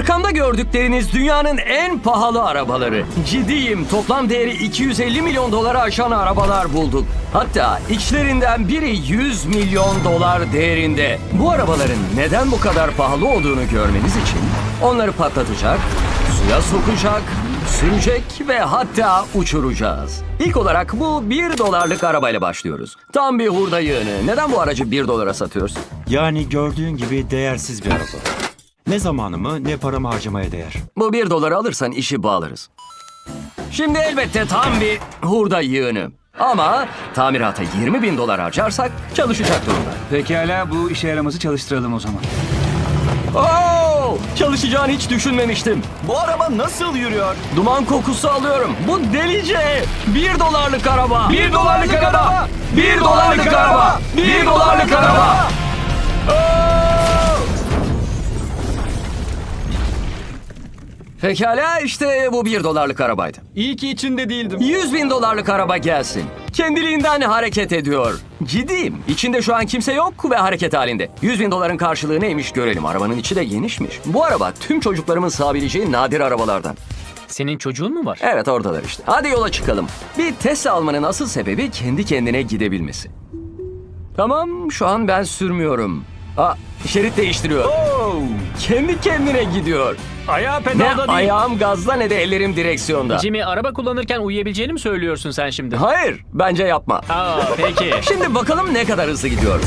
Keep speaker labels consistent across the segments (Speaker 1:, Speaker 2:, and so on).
Speaker 1: Arkamda gördükleriniz dünyanın en pahalı arabaları. Ciddiyim, toplam değeri 250 milyon dolara aşan arabalar bulduk. Hatta içlerinden biri 100 milyon dolar değerinde. Bu arabaların neden bu kadar pahalı olduğunu görmeniz için onları patlatacak, suya sokacak, sürecek ve hatta uçuracağız. İlk olarak bu 1 dolarlık arabayla başlıyoruz. Tam bir hurda yığını. Neden bu aracı 1 dolara satıyoruz?
Speaker 2: Yani gördüğün gibi değersiz bir araba. Ne zamanımı ne paramı harcamaya değer.
Speaker 1: Bu 1 doları alırsan işi bağlarız. Şimdi elbette tam bir hurda yığını. Ama tamirata 20 bin dolar harcarsak çalışacak durumda.
Speaker 3: Pekala, bu işe yaramazı çalıştıralım o zaman.
Speaker 1: Oo! Çalışacağını hiç düşünmemiştim.
Speaker 4: Bu araba nasıl yürüyor?
Speaker 1: Duman kokusu alıyorum. Bu delice. 1 dolarlık araba. 1 dolarlık araba. 1 dolarlık araba. 1 dolarlık araba. Pekala, işte bu 1 dolarlık arabaydı.
Speaker 4: İyi ki içinde değildim.
Speaker 1: 100 bin dolarlık araba gelsin. Kendiliğinden hareket ediyor. Ciddiyim. İçinde şu an kimse yok ve hareket halinde. 100 bin doların karşılığı neymiş görelim. Arabanın içi de genişmiş. Bu araba tüm çocuklarımın sığabileceği nadir arabalardan.
Speaker 5: Senin çocuğun mu var?
Speaker 1: Evet, oradalar işte. Hadi yola çıkalım. Bir Tesla almanın asıl sebebi kendi kendine gidebilmesi. Tamam, şu an ben sürmüyorum. Şerit değiştiriyor. Kendi kendine gidiyor.
Speaker 5: Ayağı
Speaker 1: Ne
Speaker 5: pedalda değil.
Speaker 1: ayağım gazda ne de ellerim direksiyonda.
Speaker 5: Jimmy, araba kullanırken uyuyabileceğini mi söylüyorsun sen şimdi?
Speaker 1: Hayır, bence yapma.
Speaker 5: Peki.
Speaker 1: Şimdi bakalım ne kadar hızlı gidiyor.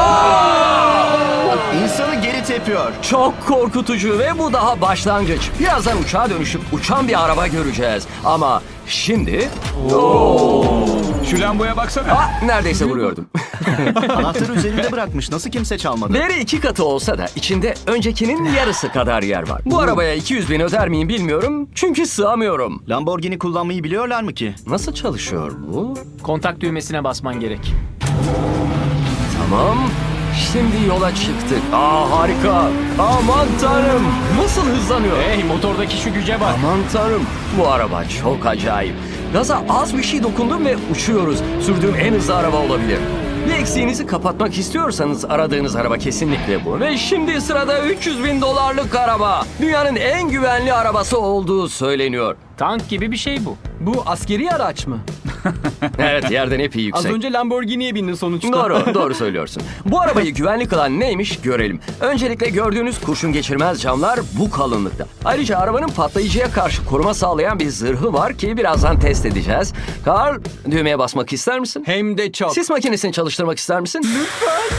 Speaker 4: İnsanı geri tepiyor.
Speaker 1: Çok korkutucu ve bu daha başlangıç. Birazdan uçağa dönüşüp uçan bir araba göreceğiz. Ama şimdi...
Speaker 3: Şu lamboya baksana.
Speaker 1: Neredeyse vuruyordum.
Speaker 4: Anahtarı üzerinde bırakmış. Nasıl kimse çalmadı?
Speaker 1: Değeri 2 katı olsa da içinde öncekinin yarısı kadar yer var. Bu arabaya 200 bin öder miyim bilmiyorum. Çünkü sığamıyorum.
Speaker 4: Lamborghini kullanmayı biliyorlar mı ki?
Speaker 1: Nasıl çalışıyor bu?
Speaker 5: Kontak düğmesine basman gerek.
Speaker 1: Tamam. Şimdi yola çıktık. Harika. Aman tanrım. Nasıl hızlanıyor?
Speaker 5: Hey, motordaki şu güce bak.
Speaker 1: Aman tanrım. Bu araba çok acayip. Gaza az bir şey dokundum ve uçuyoruz. Sürdüğüm en hızlı araba olabilir. Bir eksiğinizi kapatmak istiyorsanız aradığınız araba kesinlikle bu. Ve şimdi sırada 300 bin dolarlık araba. Dünyanın en güvenli arabası olduğu söyleniyor.
Speaker 5: Tank gibi bir şey bu.
Speaker 6: Bu askeri araç mı?
Speaker 1: Evet, yerden epey
Speaker 6: Az
Speaker 1: yüksek.
Speaker 6: önce Lamborghini'ye bindin sonuçta.
Speaker 1: Doğru söylüyorsun. Bu arabayı güvenli kılan neymiş görelim. Öncelikle gördüğünüz kurşun geçirmez camlar bu kalınlıkta. Ayrıca arabanın patlayıcıya karşı koruma sağlayan bir zırhı var ki birazdan test edeceğiz. Carl, düğmeye basmak ister misin?
Speaker 6: Hem de çok.
Speaker 1: Sis makinesini çalıştırmak ister misin? Lütfen.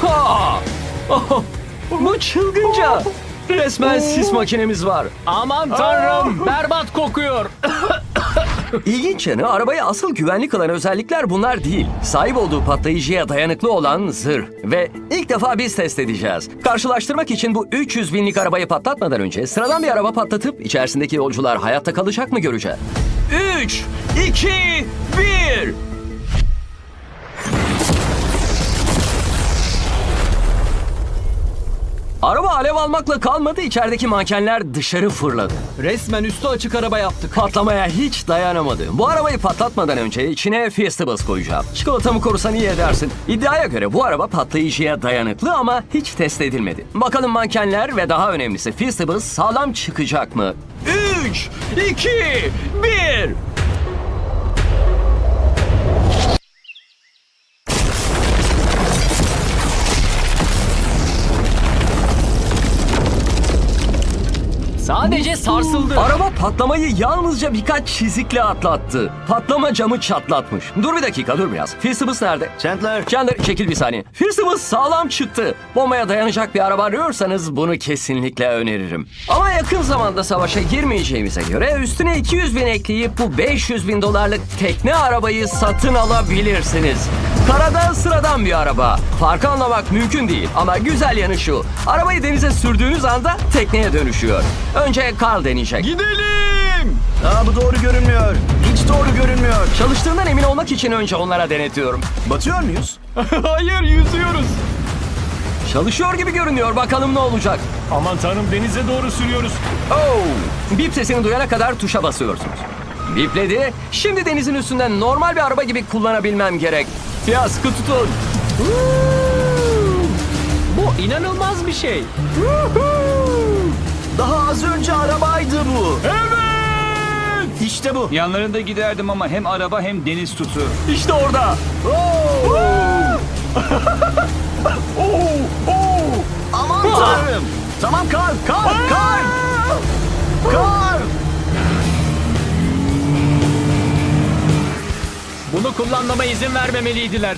Speaker 1: Bu çılgınca. Resmen sis makinemiz var.
Speaker 5: Aman tanrım, berbat kokuyor.
Speaker 1: İlginç yanı, arabayı asıl güvenli kılan özellikler bunlar değil. Sahip olduğu patlayıcıya dayanıklı olan zırh. Ve ilk defa biz test edeceğiz. Karşılaştırmak için bu 300 binlik arabayı patlatmadan önce sıradan bir araba patlatıp içerisindeki yolcular hayatta kalacak mı göreceğiz. 3, 2, 1... Araba alev almakla kalmadı, içerideki mankenler dışarı fırladı.
Speaker 6: Resmen üstü açık araba yaptık.
Speaker 1: Patlamaya hiç dayanamadı. Bu arabayı patlatmadan önce içine Fiestables koyacağım. Çikolatamı korusan iyi edersin. İddiaya göre bu araba patlayıcıya dayanıklı ama hiç test edilmedi. Bakalım mankenler ve daha önemlisi Fiestables sağlam çıkacak mı? 3, 2, 1...
Speaker 5: Sadece sarsıldı.
Speaker 1: Araba patlamayı yalnızca birkaç çizikle atlattı. Patlama camı çatlatmış. Dur bir dakika, dur biraz. Fiestables nerede?
Speaker 4: Chandler.
Speaker 1: Chandler, çekil bir saniye. Fiestables sağlam çıktı. Bombaya dayanacak bir araba arıyorsanız bunu kesinlikle öneririm. Ama yakın zamanda savaşa girmeyeceğimize göre üstüne 200 bin ekleyip bu 500 bin dolarlık tekne arabayı satın alabilirsiniz. Karada sıradan bir araba. Farkı anlamak mümkün değil ama güzel yanı şu. Arabayı denize sürdüğünüz anda tekneye dönüşüyor. Önce Carl deneyecek.
Speaker 4: Gidelim. Bu doğru görünmüyor. Hiç doğru görünmüyor.
Speaker 1: Çalıştığından emin olmak için önce onlara denetiyorum.
Speaker 4: Batıyor muyuz?
Speaker 6: Hayır, yüzüyoruz.
Speaker 1: Çalışıyor gibi görünüyor. Bakalım ne olacak.
Speaker 5: Aman tanrım, denize doğru sürüyoruz.
Speaker 1: Bip sesini duyana kadar tuşa basıyorsunuz. Bipledi. Şimdi denizin üstünden normal bir araba gibi kullanabilmem gerek. Ya sıkı tutun.
Speaker 5: Bu inanılmaz bir şey.
Speaker 4: Daha az önce arabaydı bu.
Speaker 5: Evet!
Speaker 4: İşte bu.
Speaker 3: Yanlarında giderdim ama hem araba hem deniz tutu.
Speaker 5: İşte orada.
Speaker 4: Aman tanrım. Tamam kar.
Speaker 5: Bunu kullanmama izin vermemeliydiler.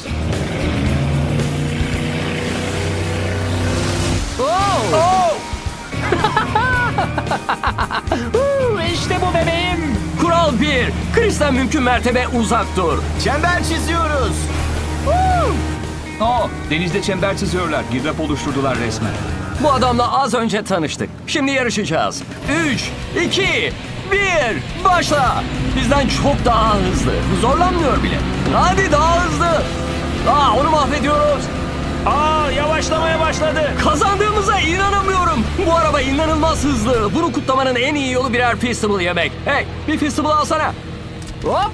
Speaker 5: İşte bu bebeğim.
Speaker 1: Kural 1. Chris'ten mümkün mertebe uzak dur.
Speaker 4: Çember çiziyoruz.
Speaker 3: Denizde çember çiziyorlar. Girdap oluşturdular resmen.
Speaker 1: Bu adamla az önce tanıştık. Şimdi yarışacağız. 3, 2, 1, başla. Bizden çok daha hızlı. Zorlanmıyor bile. Hadi daha hızlı. Onu mahvediyoruz.
Speaker 5: Yavaşlamaya başladı.
Speaker 1: Kazandığımıza inanamıyorum. Bu araba inanılmaz hızlı. Bunu kutlamanın en iyi yolu birer Feastable yemek. Hey, bir Feastable alsana.
Speaker 5: Hop.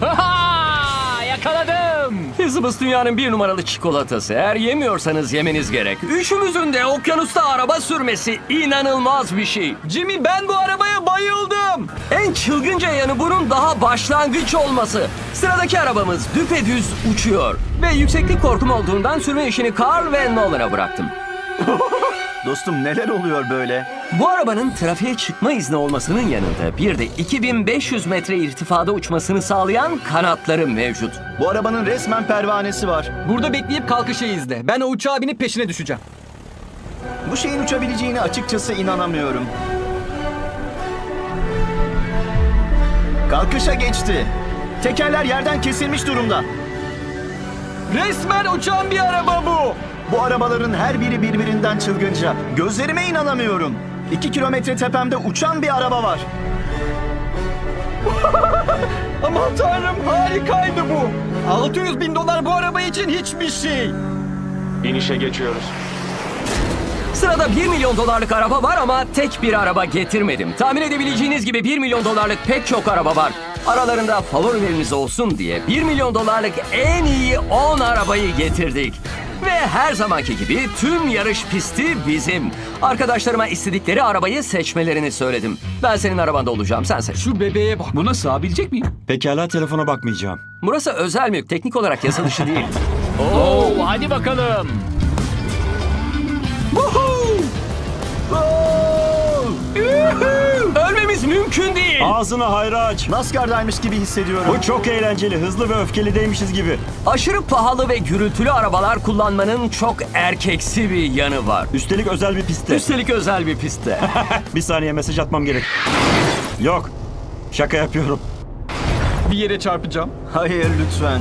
Speaker 5: Yakaladım.
Speaker 1: Feastables dünyanın 1 numaralı çikolatası. Eğer yemiyorsanız yemeniz gerek. Üçümüzün de okyanusta araba sürmesi inanılmaz bir şey.
Speaker 6: Jimmy ben bu arabaya bayıldım.
Speaker 1: En çılgınca yanı bunun daha başlangıç olması. Sıradaki arabamız düpedüz uçuyor. Ve yükseklik korkum olduğundan sürme işini Carl ve Nolan'a bıraktım.
Speaker 4: Dostum neler oluyor böyle?
Speaker 1: Bu arabanın trafiğe çıkma izni olmasının yanında bir de 2500 metre irtifada uçmasını sağlayan kanatları mevcut.
Speaker 4: Bu arabanın resmen pervanesi var.
Speaker 6: Burada bekleyip kalkışı izle. Ben o uçağa binip peşine düşeceğim.
Speaker 4: Bu şeyin uçabileceğine açıkçası inanamıyorum. Kalkışa geçti. Tekerler yerden kesilmiş durumda.
Speaker 6: Resmen uçan bir araba bu.
Speaker 4: Bu arabaların her biri birbirinden çılgınca. Gözlerime inanamıyorum. 2 kilometre tepemde uçan bir araba var.
Speaker 6: Aman tanrım harikaydı bu. 600 bin dolar bu araba için hiçbir şey.
Speaker 5: İnişe geçiyoruz.
Speaker 1: Sırada 1 milyon dolarlık araba var ama tek bir araba getirmedim. Tahmin edebileceğiniz gibi 1 milyon dolarlık pek çok araba var. Aralarında favorileriniz olsun diye 1 milyon dolarlık en iyi 10 arabayı getirdik. Ve her zamanki gibi tüm yarış pisti bizim. Arkadaşlarıma istedikleri arabayı seçmelerini söyledim. Ben senin arabanda olacağım, sen seç.
Speaker 6: Şu bebeğe bak.
Speaker 3: Buna sığabilecek miyim?
Speaker 2: Pekala, telefona bakmayacağım.
Speaker 1: Burası özel mülk, teknik olarak yasa dışı değil.
Speaker 5: Hadi bakalım.
Speaker 1: Ölmemiz mümkün değil.
Speaker 2: Ağzını hayra aç.
Speaker 4: NASCAR'daymış gibi hissediyorum.
Speaker 2: Bu çok eğlenceli, hızlı ve öfkelideymişiz gibi.
Speaker 1: Aşırı pahalı ve gürültülü arabalar kullanmanın çok erkeksi bir yanı var.
Speaker 2: Üstelik özel bir pistte.
Speaker 1: Üstelik özel bir pistte.
Speaker 2: Bir saniye, mesaj atmam gerek. Yok, şaka yapıyorum.
Speaker 6: Bir yere çarpacağım.
Speaker 4: Hayır lütfen.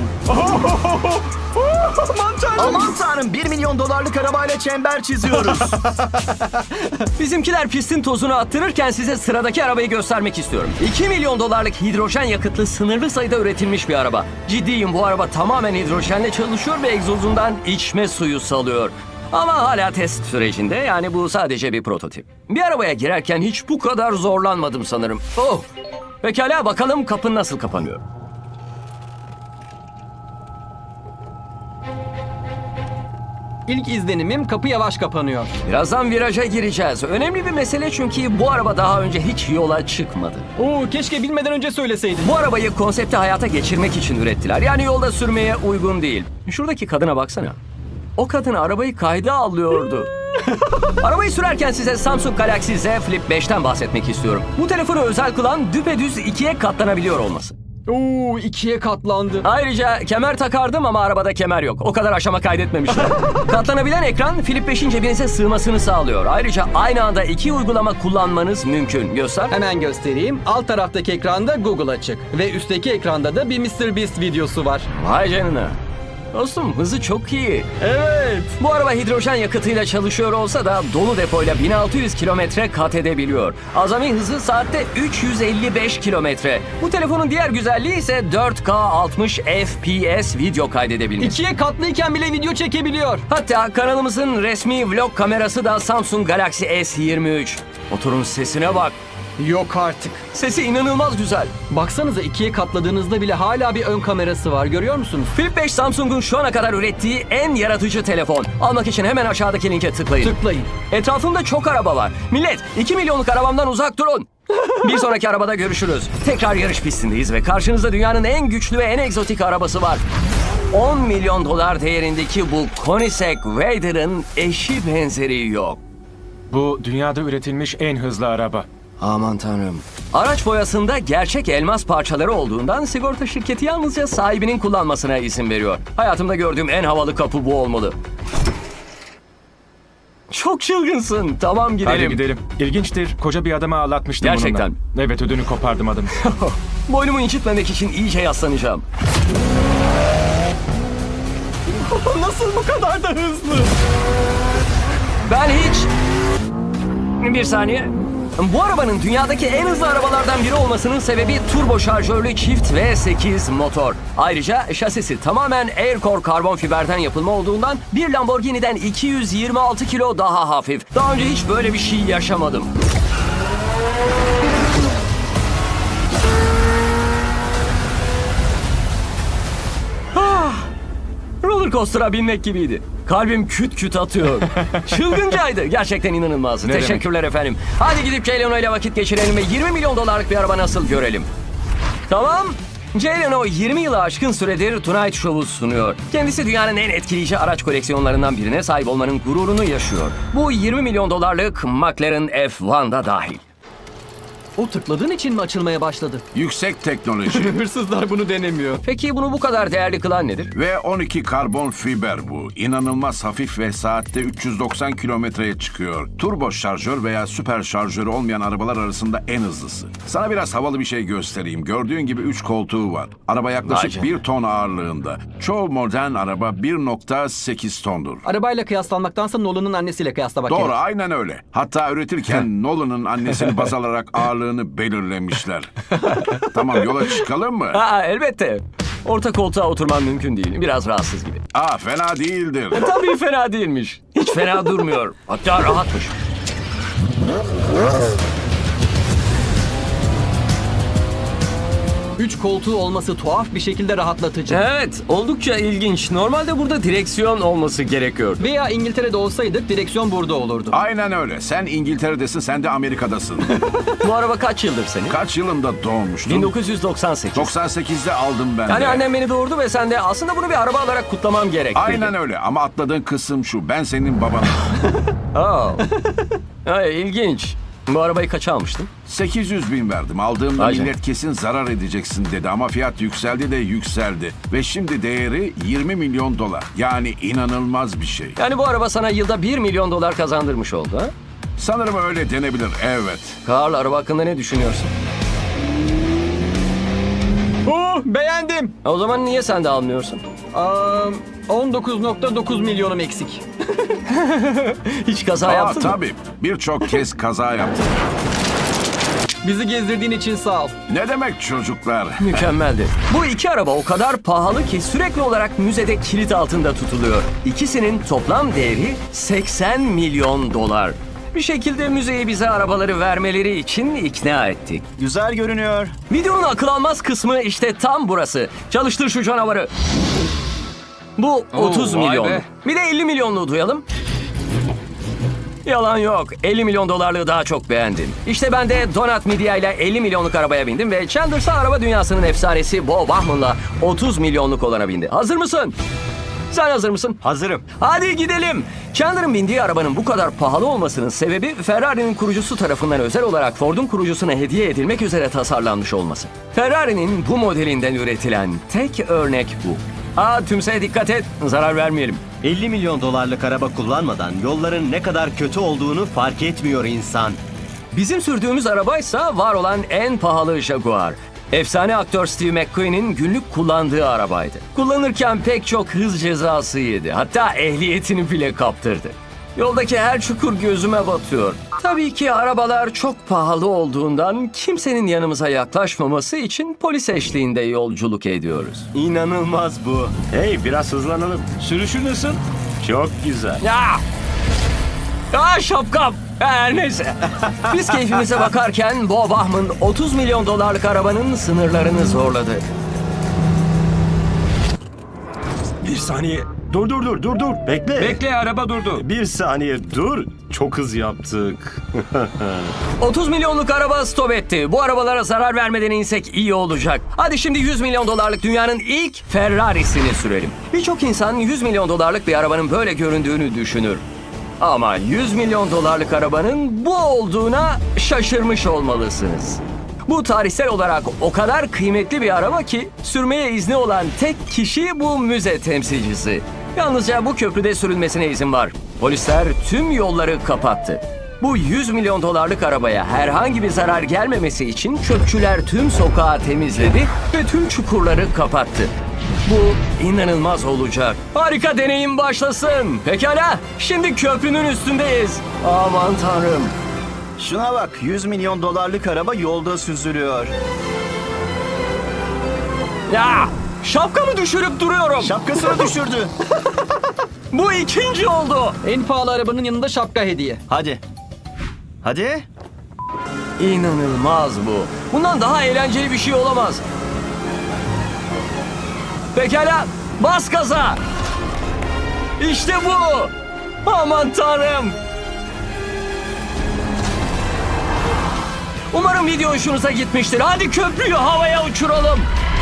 Speaker 6: Aman tanrım.
Speaker 4: Aman tanrım 1 milyon dolarlık arabayla çember çiziyoruz.
Speaker 1: Bizimkiler pistin tozunu attırırken size sıradaki arabayı göstermek istiyorum. 2 milyon dolarlık hidrojen yakıtlı sınırlı sayıda üretilmiş bir araba. Ciddiyim, bu araba tamamen hidrojenle çalışıyor ve egzozundan içme suyu salıyor. Ama hala test sürecinde, yani bu sadece bir prototip. Bir arabaya girerken hiç bu kadar zorlanmadım sanırım. Oh! Pekala, bakalım kapı nasıl kapanıyor.
Speaker 6: İlk izlenimim kapı yavaş kapanıyor.
Speaker 1: Birazdan viraja gireceğiz. Önemli bir mesele çünkü bu araba daha önce hiç yola çıkmadı.
Speaker 6: Keşke bilmeden önce söyleseydin.
Speaker 1: Bu arabayı konsepti hayata geçirmek için ürettiler. Yani yolda sürmeye uygun değil. Şuradaki kadına baksana. O kadın arabayı kayda alıyordu. Arabayı sürerken size Samsung Galaxy Z Flip 5'ten bahsetmek istiyorum. Bu telefonu özel kılan düpedüz ikiye katlanabiliyor olması.
Speaker 6: 2'ye katlandı.
Speaker 1: Ayrıca kemer takardım ama arabada kemer yok. O kadar aşama kaydetmemişler. Katlanabilen ekran Flip 5'in cebinize sığmasını sağlıyor. Ayrıca aynı anda 2 uygulama kullanmanız mümkün. Göster.
Speaker 6: Hemen göstereyim. Alt taraftaki ekranda Google açık. Ve üstteki ekranda da bir MrBeast videosu var.
Speaker 1: Vay canına. Dostum, hızı çok iyi.
Speaker 6: Evet.
Speaker 1: Bu araba hidrojen yakıtıyla çalışıyor olsa da dolu depoyla 1600 kilometre kat edebiliyor. Azami hızı saatte 355 kilometre. Bu telefonun diğer güzelliği ise 4K 60 FPS video kaydedebilmesi.
Speaker 6: 2'ye katlıyken bile video çekebiliyor.
Speaker 1: Hatta kanalımızın resmi vlog kamerası da Samsung Galaxy S23. Motorun sesine bak.
Speaker 6: Yok artık.
Speaker 1: Sesi inanılmaz güzel.
Speaker 6: Baksanıza ikiye katladığınızda bile hala bir ön kamerası var. Görüyor musunuz?
Speaker 1: Flip 5 Samsung'un şu ana kadar ürettiği en yaratıcı telefon. Almak için hemen aşağıdaki linke tıklayın.
Speaker 6: Tıklayın.
Speaker 1: Etrafımda çok araba var. Millet 2 milyonluk arabamdan uzak durun. Bir sonraki arabada görüşürüz. Tekrar yarış pistindeyiz ve karşınızda dünyanın en güçlü ve en egzotik arabası var. 10 milyon dolar değerindeki bu Koenigsegg Raider'ın eşi benzeri yok.
Speaker 7: Bu dünyada üretilmiş en hızlı araba.
Speaker 1: Aman tanrım. Araç boyasında gerçek elmas parçaları olduğundan sigorta şirketi yalnızca sahibinin kullanmasına izin veriyor. Hayatımda gördüğüm en havalı kapı bu olmalı. Çok çılgınsın. Tamam gidelim.
Speaker 7: Hadi gidelim. İlginçtir. Koca bir adamı ağlatmıştım
Speaker 1: Gerçekten.
Speaker 7: bununla. Evet, ödünü kopardım adamı.
Speaker 1: Boynumu incitmemek için iyice yaslanacağım.
Speaker 6: Nasıl bu kadar da hızlı?
Speaker 1: Ben hiç... Bir saniye. Bu arabanın dünyadaki en hızlı arabalardan biri olmasının sebebi turbo şarjörlü çift V8 motor. Ayrıca şasisi tamamen Aircore karbon fiberden yapılma olduğundan bir Lamborghini'den 226 kilo daha hafif. Daha önce hiç böyle bir şey yaşamadım. Roller coaster'a binmek gibiydi. Kalbim küt küt atıyor. Çılgıncaydı. Gerçekten inanılmazdı.
Speaker 7: Ne demek?
Speaker 1: Teşekkürler efendim. Hadi gidip Jay Leno ile vakit geçirelim ve 20 milyon dolarlık bir araba nasıl görelim. Tamam. Jay Leno 20 yılı aşkın süredir Tonight Show'u sunuyor. Kendisi dünyanın en etkileyici araç koleksiyonlarından birine sahip olmanın gururunu yaşıyor. Bu 20 milyon dolarlık McLaren F1'da dahil.
Speaker 6: O tıkladığın için mi açılmaya başladı?
Speaker 8: Yüksek teknoloji
Speaker 6: Hırsızlar bunu denemiyor.
Speaker 1: Peki bunu bu kadar değerli kılan nedir?
Speaker 8: ve 12 karbon fiber bu. İnanılmaz hafif ve saatte 390 kilometreye çıkıyor. Turbo şarjör veya süper şarjörü olmayan arabalar arasında en hızlısı. Sana biraz havalı bir şey göstereyim. Gördüğün gibi 3 koltuğu var. Araba
Speaker 1: Vay
Speaker 8: yaklaşık
Speaker 1: canına.
Speaker 8: 1 ton ağırlığında. Çoğu modern araba 1.8 tondur.
Speaker 6: Arabayla kıyaslanmaktansa Nolan'ın annesiyle kıyaslamak
Speaker 8: Doğru,
Speaker 6: gerek.
Speaker 8: aynen öyle. Hatta üretirken Nolan'ın annesini baz alarak ağırlığını belirlemişler. Tamam, yola çıkalım mı?
Speaker 1: Aa, elbette. Orta koltuğa oturman mümkün değil. Biraz rahatsız gibi.
Speaker 8: Fena değildir.
Speaker 1: Tabii fena değilmiş. Hiç fena durmuyor. Hatta rahatmış.
Speaker 6: Üç koltuğu olması tuhaf bir şekilde rahatlatıcı.
Speaker 1: Evet, oldukça ilginç. Normalde burada direksiyon olması gerekiyor.
Speaker 6: Veya İngiltere'de olsaydık direksiyon burada olurdu.
Speaker 8: Aynen öyle. Sen İngiltere'desin, sen de Amerika'dasın.
Speaker 1: Bu araba kaç yıldır senin?
Speaker 8: Kaç yılında doğmuştun?
Speaker 1: 1998.
Speaker 8: 98'de aldım ben de.
Speaker 1: Yani annem beni doğurdu ve sen de aslında bunu bir araba alarak kutlamam gerek.
Speaker 8: Aynen öyle ama atladığın kısım şu. Ben senin babanım.
Speaker 1: Ay, ilginç. Bu arabayı kaça almıştın?
Speaker 8: 800 bin verdim. Aldığımda
Speaker 1: Vay
Speaker 8: millet kesin zarar edeceksin dedi ama fiyat yükseldi de yükseldi. Ve şimdi değeri 20 milyon dolar. Yani inanılmaz bir şey.
Speaker 1: Yani bu araba sana yılda 1 milyon dolar kazandırmış oldu ha?
Speaker 8: Sanırım öyle denebilir, evet.
Speaker 1: Karl, araba hakkında ne düşünüyorsun?
Speaker 6: Beğendim.
Speaker 1: O zaman niye sen de almıyorsun?
Speaker 6: 19.9 milyonum eksik.
Speaker 1: Hiç kaza yaptın mı?
Speaker 8: Tabii. Birçok kez kaza yaptım.
Speaker 6: Bizi gezdirdiğin için sağ ol.
Speaker 8: Ne demek çocuklar?
Speaker 1: Mükemmeldi. Bu iki araba o kadar pahalı ki sürekli olarak müzede kilit altında tutuluyor. İkisinin toplam değeri 80 milyon dolar. Bir şekilde müzeye bize arabaları vermeleri için ikna ettik.
Speaker 4: Güzel görünüyor.
Speaker 1: Videonun akıl almaz kısmı işte tam burası. Çalıştır şu canavarı. Bu 30
Speaker 3: vay
Speaker 1: milyon.
Speaker 3: be.
Speaker 1: Bir de 50 milyonluğu duyalım. Yalan yok. 50 milyon dolarlığı daha çok beğendim. İşte ben de Donut Media ile 50 milyonluk arabaya bindim ve Chandler'sa araba dünyasının efsanesi Bo Bauman'la 30 milyonluk olana bindi. Hazır mısın? Sen hazır mısın?
Speaker 2: Hazırım.
Speaker 1: Hadi gidelim. Chandler'ın bindiği arabanın bu kadar pahalı olmasının sebebi Ferrari'nin kurucusu tarafından özel olarak Ford'un kurucusuna hediye edilmek üzere tasarlanmış olması. Ferrari'nin bu modelinden üretilen tek örnek bu. Tümseye dikkat et, zarar vermeyelim.
Speaker 9: 50 milyon dolarlık araba kullanmadan yolların ne kadar kötü olduğunu fark etmiyor insan.
Speaker 1: Bizim sürdüğümüz arabaysa var olan en pahalı Jaguar. Efsane aktör Steve McQueen'in günlük kullandığı arabaydı. Kullanırken pek çok hız cezası yedi. Hatta ehliyetini bile kaptırdı. Yoldaki her çukur gözüme batıyor. Tabii ki arabalar çok pahalı olduğundan kimsenin yanımıza yaklaşmaması için polis eşliğinde yolculuk ediyoruz.
Speaker 2: İnanılmaz bu. Hey, biraz hızlanalım.
Speaker 3: Sürüşü nasıl?
Speaker 2: Çok güzel.
Speaker 1: Ya! Şapkam! Her neyse. Biz keyfimize bakarken Bob Ahman 30 milyon dolarlık arabanın sınırlarını zorladı.
Speaker 10: Bir saniye. Dur. Bekle.
Speaker 3: Bekle, araba durdu.
Speaker 10: Bir saniye dur. Çok hız yaptık.
Speaker 1: 30 milyonluk araba stop etti. Bu arabalara zarar vermeden insek iyi olacak. Hadi şimdi 100 milyon dolarlık dünyanın ilk Ferrari'sini sürelim. Birçok insan 100 milyon dolarlık bir arabanın böyle göründüğünü düşünür. Ama 100 milyon dolarlık arabanın bu olduğuna şaşırmış olmalısınız. Bu tarihsel olarak o kadar kıymetli bir araba ki sürmeye izni olan tek kişi bu müze temsilcisi. Yalnızca bu köprüde sürülmesine izin var. Polisler tüm yolları kapattı. Bu 100 milyon dolarlık arabaya herhangi bir zarar gelmemesi için çöpçüler tüm sokağı temizledi ve tüm çukurları kapattı. Bu inanılmaz olacak. Harika deneyim başlasın. Pekala, şimdi köprünün üstündeyiz. Aman tanrım.
Speaker 4: Şuna bak, 100 milyon dolarlık araba yolda süzülüyor.
Speaker 1: Ya, şapkamı düşürüp duruyorum.
Speaker 4: Şapkasını düşürdü.
Speaker 1: Bu ikinci oldu.
Speaker 6: En pahalı arabanın yanında şapka hediye.
Speaker 4: Hadi.
Speaker 1: İnanılmaz bu. Bundan daha eğlenceli bir şey olamaz. Pekala, bas gaza. İşte bu. Aman tanrım. Umarım video hoşunuza gitmiştir. Hadi köprüyü havaya uçuralım.